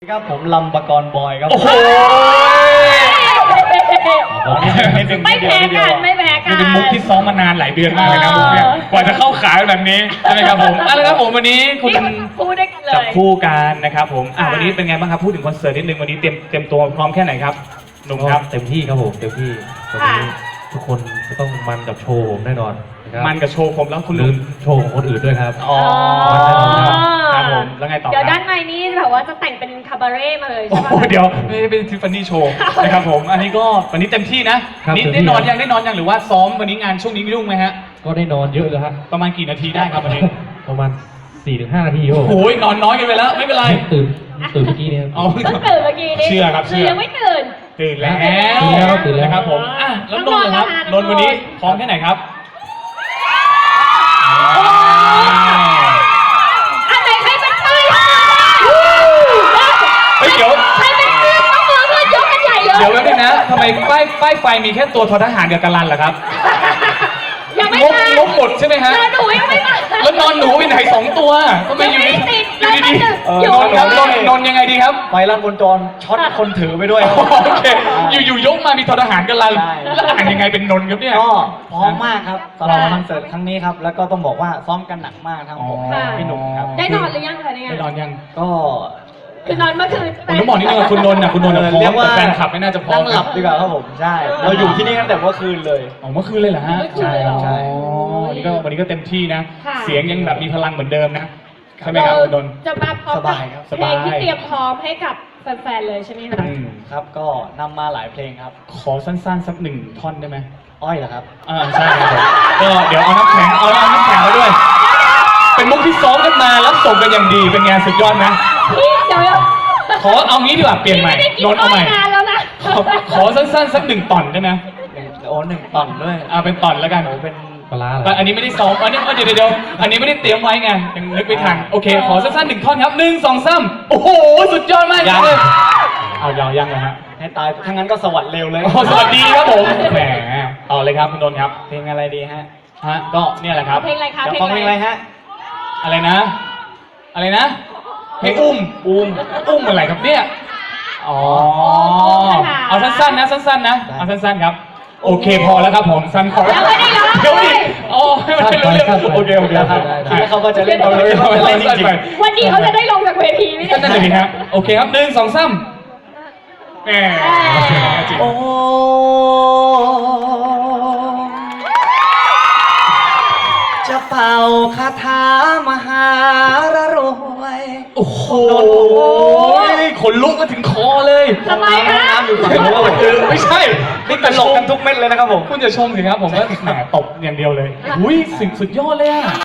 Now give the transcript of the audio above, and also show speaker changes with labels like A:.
A: ครับผมลำปกรณ์บอยครับ
B: โอ้โห
C: ไม่แพ้กันไม่แพ้กัน
B: นี่เป็นมุกที่ซ้อมมานานหลายเดือนมากเลยนะมุกเนี่ยกว่าจะเข้าขายแบบนี้ใช่ไหมครับผมอะไรครับผมวันนี้คุณ
C: พูดได้กันเลย
B: จับคู่กันนะครับผมวันนี้เป็นไงบ้างครับพูดถึงคอนเสิร์ตนิดนึงวันนี้เตรียมตัวพร้อมแค่ไหนครับหนุ่มครับ
A: เต็มที่ครับผมเต็มที่วันนี้ทุกคนจะต้องมันกับโชว์ผมแน่นอนนะครับ
B: มันกับโชว์ผมแล้วคุณ
A: ลื
B: ลื
A: ม
B: ม
A: โชว์ของคนอื่นด้วยครับ
B: อ๋อ
A: มันแน่นอนครับ
B: ครับผมแล้วไงต่อ
C: เดี๋ยว
B: ค
C: ด้า
B: รับ
C: นในนี้แบบว่าจะแต่งเป็นคาบาเร่มาเลย
B: โอ้
C: ใช่
B: โห
C: ปะ
B: เดี๋ยวไม่ได้เป็นทิฟฟานี่โชว์นะครับผมอันนี้ก็วันนี้เต็มที่นะครับ นี่
A: เต็มที่
B: ได้นอนยังหรือว่าซ้อมวันนี้งานช่วงนี้ยุ่งไหมฮะ
A: ก็ได้นอนเยอะเลยครับ
B: ประมาณกี่นาทีได้ครับวันนี้
A: ประมาณ 4-5 นาทีครับผม
B: โอ้ยนอนน้อยกันไปแล้วไม่เป็นไร
A: ตื่นเมื่อกี้เนี่ย
B: เอา
C: เพิ่งตื่นเมื่อกี้นี้
B: เชื่อครับเชื่อ
C: ยังไม่ตื่น
B: ตื่นแล้ว
A: ตื่นแล้ว
B: นะครับผมอ่ะแล้วนนท์นะครับ
C: น้องนนท์
B: นนท์วันนี้พร้อมแค่ไหนครับ
C: อันไหนใครเป็นปืน
B: เฮ้ยเดี๋ยว
C: ใครเป็นปืนต้องมือขึ้นยกกันใหญ่เลย
B: เดี๋ยวแป๊บนึงนะทำไมป้ายไฟมีแค่ตัวททหารกับกะลันล่ะครับ
C: ยังไม่
B: งบ
C: มาง
B: บหมดใช่ไหมฮะ
C: เจอหนูยังไม่มา
B: แล้วนอนหนูไปไหนสองตัวก็ไม่
C: ยัง
B: อยู่
C: ไม่
B: ดี
C: ติด
B: ดี
C: อยู่
B: นอนครับนอนยังไงดีครับ
A: ไฟลั่นบนจรช็อตคนถือไปด้วยครับ
B: โอเคอยู่ยกมามีททหารกะลัน
A: ใช่
B: แล้วอ่านยังไงเป็นนนท์ครับเนี่ย
A: ก็พร้อมมากครับสำหรับคอนเสิร์ตครั้งนี้ครับ แล้วก็ต้องบอกว่าซ้อมกันหนักมากทั้งผม
B: อ๋อ
A: พี่หนุ่มครับ
C: ได้นอนหรือยังคะเนี่ย
B: ได้นอนยัง
A: ก็
C: คือนอนเมื่อคืน
B: ผมต้องบอกนิดนึงว่าคุณนนท์นะคุณนนท์นะพร้อ
A: เรีย
B: ม
A: กว่า
B: แต่แฟนคลับไม่น่าจะพร้อ
A: นั่
B: ม
A: งหลับดีกว่าครับผมใช่ เราอยู่ที่นี่ตั้งแต่เมื่อคืนเลย
B: อ๋อเมื่อคืนเลยเหรอฮะ
C: เมื่อคืนเลยเหรอ
A: ใช่
B: อ๋อวันนี้ก็เต็มที่นะ
C: ค่ะ
B: เสียงยังแบบมีพลังเหมือนเดิมนะใช่ไหมครับคุณนนท์
C: จะมาพร้อม
A: ส
C: กับบ
A: ายครับ
C: เพลงที่เตรียมพร้อมให้กับแฟนๆเลยใช่ไหมคะ
B: อืม
A: ครับก็นำมาหลายเพลงครับ
B: ขอสั้นๆสักหนึ่งท่อนได้ไหม
A: อ้อยเหรอครับ
B: ใช่ครับผมก็เดี๋ยวเอาน้ำแข็งมาด้วย เป็นมุกที่ซ้อมกันมารับส่งกันอย่างดีเป็นงานสุดยอดนะ
C: พี่เดี๋ยว
B: ขอเอางี้ดีกว่าเปลี่ยนใหม่
C: พี่ไม่ได้กิน
B: นนท์เอาใหม่
C: นานแล้วนะ
B: ขอสั้นๆสักหนึ่งตอนได้ไหม
A: โอ้1 ตอนด้วย
B: เป็นตอนแล้วกัน
A: โอ้เป็นปลาร้าเหร
B: แต่
A: อ
B: อันนี้ไม่ได้ซ้อมอันนี้เดี๋ยวอันนี้ไม่ได้เตรียมไว้ไงยังนึกไม่ทันโอเคขอสั้นๆหนึ่งท่อนครับ1 2 3โอ้โหสุดยอดมาก
A: ยัง
B: เลยเอายังนะฮะ
A: ให้ตายทั้างนั้นก็สวัสดเร็วเลย
B: โอ้สวัสดีครับผมแหมต่อเลยครับคุณนนท์ครับ
A: เพลงอะไรดีฮะ
B: ก็เนี่ยแหละครับ
C: เพลงอะไรคะ
A: จะ
C: เพลง
A: ฟังเพลงอะไรฮะ
B: อะไรนะเพลงอุ้มอะไรครับเนี่ยอ๋อเอาสั้นๆนะเอาสั้นๆครับโอเคพอแล้วครับผมสั้นพอแล้ว
C: ยังไม่ได้ร้อง
B: เดี๋ยวดิอ๋อให้มันเร็วๆโอเค
A: ครับคิดว่าเขาก็จะเล่น
B: เอาเลย
A: เขาจะเล่นจริง
C: วันนี้เขาจะได้ลงจากเวทีไหม
B: ก็
C: เนี่ย
B: นั่นเลยฮะโอเคครับ1 2 3แหม
A: ๆโอ้จะเป่าคาถามหารรวย
B: โอ้โหขนลุกมาถึงคอเลย
C: ทำไมคะ
A: น้ำอยู่ฝั่งนู้นครับผม
B: ไม่ใช่
A: นี่ตลกกันทุกเม็ดเลยนะครับผม
B: คุณจะชมสิครับผมก็แหมตบอย่างเดียวเลยอุ้ยสุดยอดเลยอะ